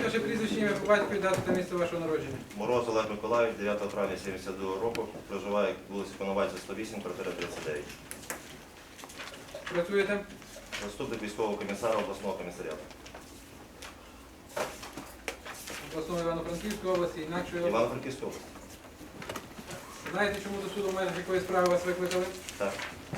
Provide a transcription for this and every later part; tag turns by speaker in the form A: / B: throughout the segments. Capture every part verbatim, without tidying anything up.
A: ваше прізвище, ім'я по батькові, дату та місце вашого народження.
B: Мороз Олег Миколаївич, дев'ятого травня сімдесят другого року, проживає вулиця Коновальця, сто вісім, квартира тридцять дев'ять.
A: Працюєте?
B: Заступник військового комісара обласного комісаріату.
A: Обласної Івано-Франківської області, інакшої області.
B: Івано-Франківська область.
A: Знаєте, чому до суду в межах якої справи вас викликали?
B: Так.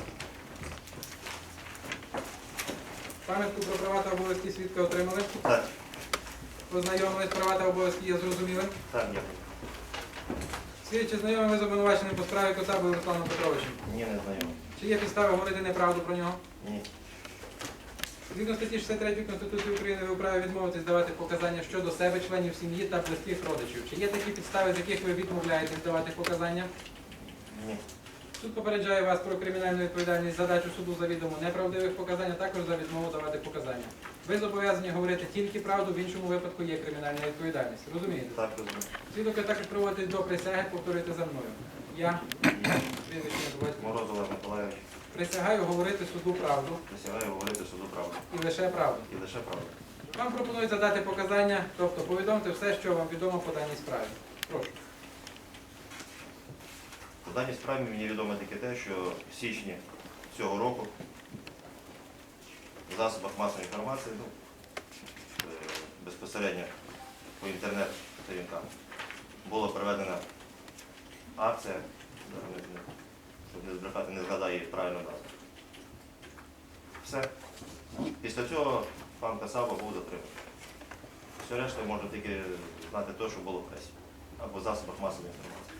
A: Пам'ятку про права та обов'язки свідка отримали?
B: Так.
A: Познайомились, права та обов'язки є зрозумілим?
B: Так, дякую.
A: Свідчі, чи знайомі ви з обвинуваченим по справі Коцабою Русланом Петровичем?
B: Ні, не знайомий.
A: Чи є підстави говорити неправду про нього?
B: Ні.
A: Згідно статті шістдесят третьої Конституції України ви вправі відмовитись давати показання щодо себе, членів сім'ї та близьких родичів. Чи є такі підстави, з яких ви відмовляєтесь давати показання?
B: Ні.
A: Суд попереджає вас про кримінальну відповідальність за дачу суду завідомо неправдивих показань, а також за відмову давати показання. Ви зобов'язані говорити тільки правду, в іншому випадку є кримінальна відповідальність. Розумієте?
B: Так, розумію.
A: Свідок ви також проводить до присяги, повторюйте за мною. Я, прізвище, ім'я, батько,
B: Мороз Олег Миколаївич,
A: присягаю говорити суду правду
B: присягаю говорити суду правду.
A: і лише правду.
B: І лише правду.
A: Вам пропонують задати показання, тобто повідомте все, що вам відомо по даній справі. Прошу.
B: По даній справі мені відомо тільки те, що в січні цього року в засобах масової інформації, ну, е, безпосередньо по інтернет-сторінкам, була проведена акція, зараз не- не- щоб не збрехати, не згадаю її правильну назву. Все. Після цього пан Касаба був затриманий. Все решта можна тільки знати те, що було в пресі або в засобах масової інформації.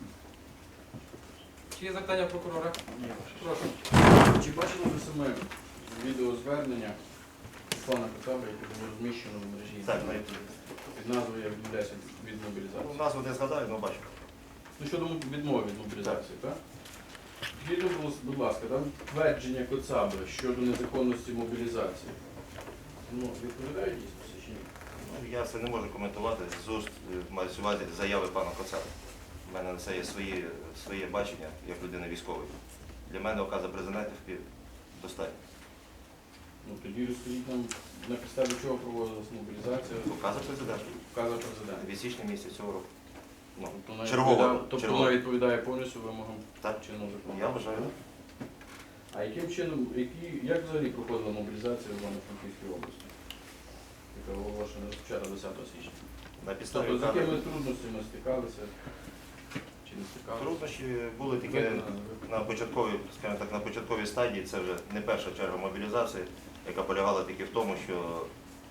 A: Чи є запитання прокурора?
C: Ні,
A: Прошу.
C: Чи бачили ви саме відеозвернення Руслана Коцаби, яке було розміщено в мережі
B: Так,
C: інтернет під назвою «Я відмовляюся від
B: ну,
C: мобілізації»?
B: назву не згадаю, але бачу.
C: Ну, щодо відмови від мобілізації, так? Скажіть, будь ласка, там твердження Коцаби щодо незаконності мобілізації, ну, відповідають дійсності чи ні?
B: Ну, я це не можу коментувати з уст, е, маю на увазі заяви пана Коцаби. У мене на це є свої, своє бачення як людини військової. Для мене указа президента достатньо.
C: Ну, тоді розкажіть нам, на підставі чого проводилась мобілізація,
B: Указа президента
C: вказав президент.
B: від січня місяця цього року. Ну,
C: Тобто вона
B: чергового.
C: відповідає- Тобто
B: чергового.
C: вона відповідає повністю вимогам
B: Так,
C: чинного закону.
B: я вважаю.
C: А яким чином, які, як взагалі проходила мобілізація в Івано-Франківській області, яка оголошена розпочата десятого січня?
B: На підставі
C: Тобто з
B: указу.
C: якими трудностями стикалися чи не стикалися?
B: Труднощі були тільки на початковій, скажімо так, на початковій стадії. Це вже не перша черга мобілізації, яка полягала тільки в тому, що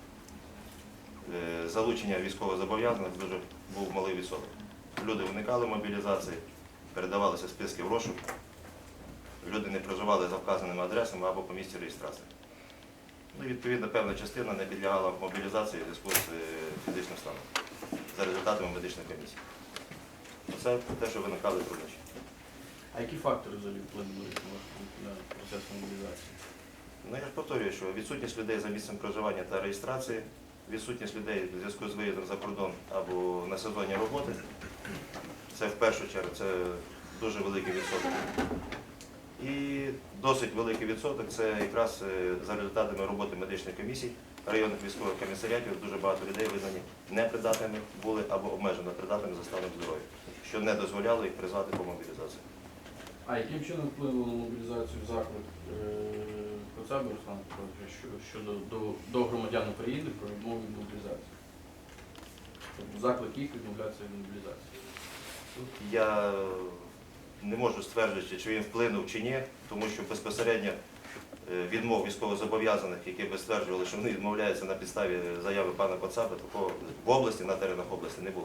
B: е, залучення військовозобов'язаних дуже був малий відсоток. Люди уникали мобілізації, передавалися списки в розшук, люди не проживали за вказаними адресами або по місці реєстрації. Ну, відповідно, певна частина не підлягала мобілізації в зв'язку з е, фізичним станом за результатами медичної комісії. Це те, що виникали труднощі.
C: А які фактори взагалі вплинули на процес мобілізації?
B: Ну, я ж повторюю, що відсутність людей за місцем проживання та реєстрації, відсутність людей в зв'язку з виїздом за кордон або на сезонні роботи, це в першу чергу це дуже великий відсоток. І досить великий відсоток це якраз е, за результатами роботи медичних комісій, районних військових комісаріатів дуже багато людей визнані непридатними були або обмежено придатними за станом здоров'я, що не дозволяло їх призвати по мобілізації.
C: А яким чином вплинуло на мобілізацію заклик е, Коцаби Руслана Петровича що- щодо до, до громадян України про відмову від мобілізації? Тобто заклик їх відмовлятися від мобілізації.
B: Я не можу стверджувати, чи він вплинув чи ні, тому що безпосередньо е, відмов військовозобов'язаних, які би стверджували, що вони відмовляються на підставі заяви пана Коцаби, такого в області, на теренах області не було.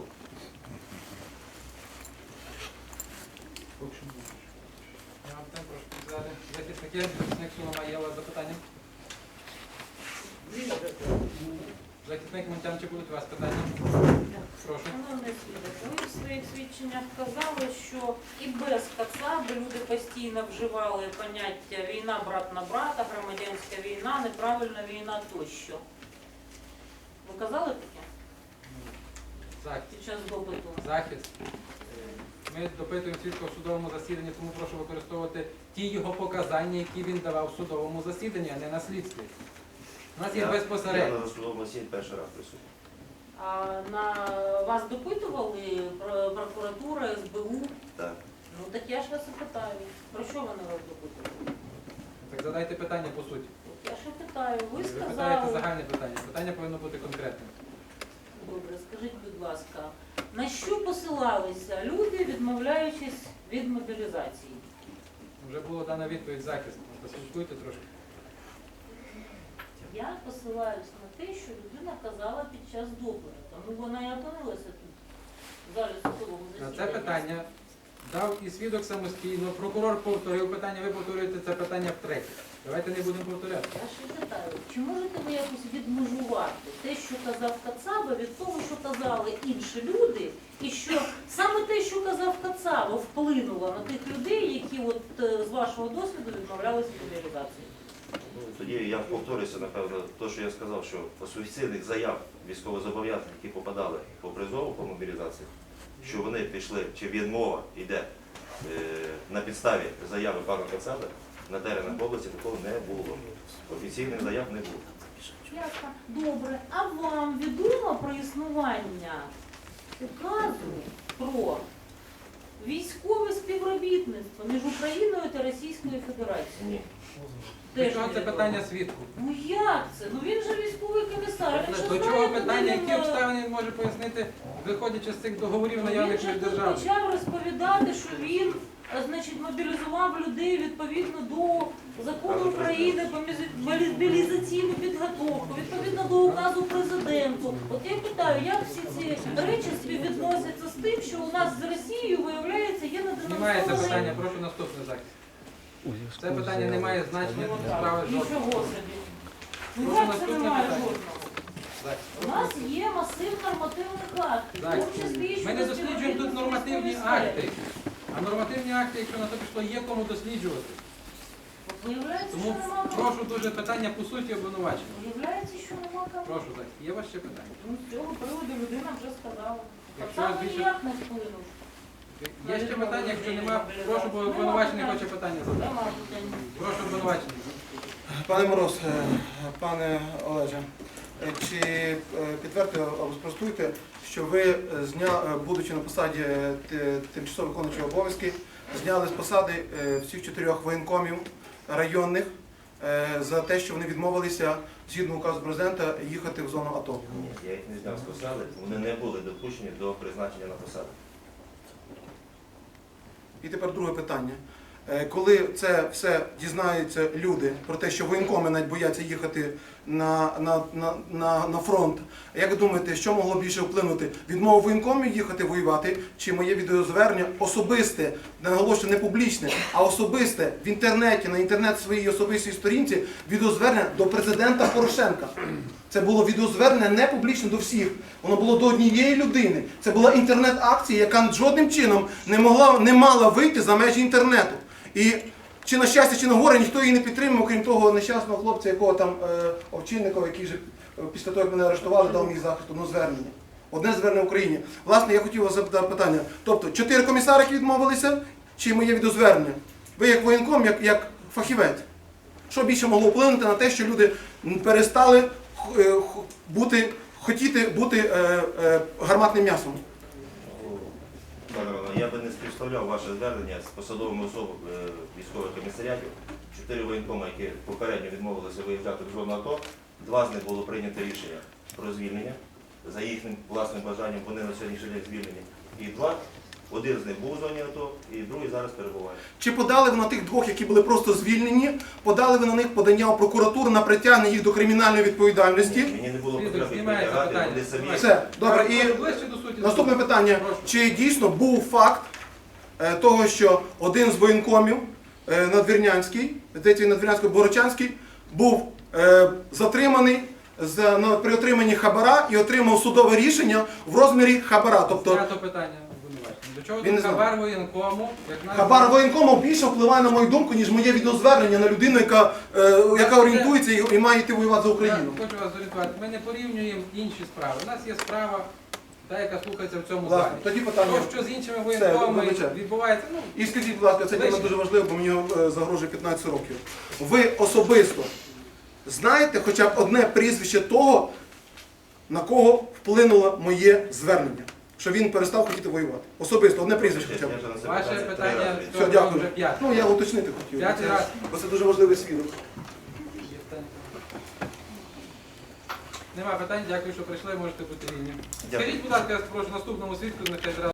C: Поки що не бачу.
A: Я вам там прошу сказати. Захисники, захисник Солома, є у вас запитання? Захисник Монтян, чи будуть у вас питання? Прошу.
D: Шановний свідок, ви в своїх свідченнях казали, що і без Коцаби люди постійно вживали поняття війна брат на брата, громадянська війна, неправильна війна тощо. Ви казали таке
A: Захист.
D: під час допиту?
A: Захист. Е, Ми допитуємо свідка в судовому засіданні, тому прошу використовувати ті його показання, які він давав в судовому засіданні, а не на слідстві. У нас є
B: Я- Я
A: безпосередньо.
B: на судовому засіданні перший раз присутній.
D: А на вас допитували про- прокуратура, ес бе у?
B: Так.
D: Ну так я ж вас і питаю. Про що вони вас допитували?
A: Так задайте питання по суті.
D: Я ж і питаю. Ви
A: Ви питаєте
D: сказали.
A: загальне питання. Питання повинно бути конкретним.
D: Добре, скажіть, будь ласка, на що посилалися люди, відмовляючись від мобілізації?
A: Вже була дана відповідь захист. Послухайте трошки.
D: Я посилаюсь на те, що людина казала під час допиту. Тому вона і опинилася тут, в залі судового
A: На
D: засідання.
A: це питання дав і свідок самостійно, прокурор повторив питання, ви повторюєте це питання втретє. Давайте не будемо повторяти.
D: Я ще питаю, чи можете ви якось відмежувати те, що казав Кацаба, від того, що казали інші люди, і що саме те, що казав Кацаба, вплинуло на тих людей, які от е, з вашого досвіду відмовлялися від мобілізації?
B: Тоді я повторюся, напевно, те, що я сказав, що офіційних заяв військовозобов'язаних, які попадали по призову, по мобілізації, що вони пішли, чи відмова йде е, на підставі заяви пана Кацаби, на теренах області такого не було. Офіційних заяв не було.
D: Ясно. Добре. А вам відомо про існування указу про військове співробітництво між Україною та Російською Федерацією?
B: Ні.
D: Теж
A: До чого це
D: невідомо.
A: питання свідку?
D: Ну як це? Ну він же військовий комісар. Він же
A: До
D: знає,
A: чого
D: куди
A: питання,
D: він,
A: які
D: е,
A: обставини він може пояснити, виходячи з цих договорів
D: Він
A: наявних
D: же
A: між
D: тут
A: державами?
D: почав розповідати, що він е, значить, мобілізував людей відповідно до закону України про мобілі- мобілізаційну підготовку, відповідно до указу президенту. От я питаю, як всі ці речі співвідносяться з тим, що у нас з Росією, виявляється, є
A: Знімає це питання,
D: неденонсований...
A: прошу наступний захист. Це питання не має значення для справи
D: Нічого
A: жодного.
D: собі. Ну
A: Прошу
D: як це
A: наступне
D: немає
A: питання.
D: жодного?
A: Захист,
D: У нас є масив нормативних актів, в
A: Так.
D: тому числі і
A: Ми не
D: щодо
A: досліджуємо тут
D: співробітництва
A: нормативні
D: військової
A: акти.
D: сфери.
A: А нормативні акти, якщо на то пішло, є кому досліджувати.
D: От виявляється,
A: Тому
D: що нема кому.
A: прошу дуже питання по суті обвинувачення.
D: Виявляється, що нема кому.
A: Прошу так. Є у вас ще питання?
D: Ну, з цього приводу людина вже сказала.
A: Якщо
D: Саме
A: більше-
D: ніяк не вплинув.
A: Є ще питання, якщо немає, прошу, бо обвинувачений хоче питання задати.
D: Нема питань.
A: Прошу обвинувачений.
E: Пане Мороз, е, пане Олеже, е, чи е, підтвердите або спростуйте, що ви, е, зня, е, будучи на посаді е, т- тимчасово виконуючого обов'язки, зняли з посади е, всіх чотирьох воєнкомів районних е, за те, що вони відмовилися згідно указу президента їхати в зону АТО?
B: Ні, я їх не зняв з посади, вони не були допущені до призначення на посаду.
E: І тепер друге питання. Е, Коли це все дізнаються люди про те, що воєнкоми навіть бояться їхати на, на, на, на, на фронт, як ви думаєте, що могло більше вплинути? Відмову воєнкомів їхати воювати, чи моє відеозвернення особисте, не наголошую, не публічне, а особисте в інтернеті, на інтернет своїй особистій сторінці, відеозвернення до президента Порошенка? Це було відеозвернення не публічне до всіх, воно було до однієї людини. Це була інтернет-акція, яка жодним чином не могла, не мала вийти за межі інтернету. І чи на щастя, чи на горе, ніхто її не підтримав, окрім того нещасного хлопця, якого там е, Овчинникова, який вже е, після того, як мене арештували, дав мій захист, одне звернення. Одне звернення в Україні. Власне, я хотів вас запитати питання. Тобто, чотири комісари, які відмовилися, чи моє відеозвернення? Ви як воєнком, як, як фахівець, що більше могло вплинути на те, що люди перестали е, х- бути, хотіти бути е, е, гарматним м'ясом?
B: Пане Романе, я би не співставляв ваше звернення з посадовими особами е, військових комісаріатів. Чотири воєнкоми, які попередньо відмовилися виїжджати в зону АТО, два з них було прийнято рішення про звільнення за їхнім власним бажанням, вони на сьогоднішній день звільнені. І два, один з них був в зоні АТО, і другий зараз перебуває.
E: Чи подали ви на тих двох, які були просто звільнені, подали ви на них подання в прокуратуру на притягнення їх до кримінальної відповідальності?
B: Мені не було
A: Свідок,
B: потреби
A: знімається
B: притягати,
A: питання.
B: вони самі.
E: Все, добре. І
A: Прошу ближче до суті.
E: наступне питання.
A: Прошу.
E: Чи дійсно був факт е, того, що один з воєнкомів е, Надвірнянський, здається, Надвірнянський Борочанський, був е, затриманий за, на, при отриманні хабара і отримав судове рішення в розмірі хабара. Тобто
A: Знято питання обвинувачений. До чого
E: Він не
A: тут
E: знав.
A: хабар воєнкому? Як нас-
E: хабар воєнкому більше впливає на мою думку, ніж моє відеозвернення на людину, яка, е, яка орієнтується і, і має йти воювати за Україну.
A: Я хочу вас зорієнтувати. Ми не порівнюємо інші справи. У нас є справа, та, яка слухається в цьому
E: Власне,
A: залі.
E: тоді питання.
A: То, що з іншими воєнкомами
E: вибачаю.
A: відбувається, ну,
E: І скажіть, будь ласка, це тема
A: Вище.
E: дуже важлива, бо мені е, загрожує п'ятнадцять років. Ви особисто знаєте хоча б одне прізвище того, на кого вплинуло моє звернення, що він перестав хотіти воювати. Особисто, одне прізвище хоча б.
B: Я вже на це
A: Ваше
B: три
A: питання
B: рази
A: з
E: Все,
A: цього
E: дякую.
A: вже п'яте.
E: Ну, я уточнити хотів.
A: П'ятий
E: Це-
A: раз.
E: Бо це дуже важливий свідок.
A: Нема питань, дякую, що прийшли, можете бути вільні.
B: Дякую.
A: Скажіть, будь ласка, я прошу наступному свідку, нехай зразу.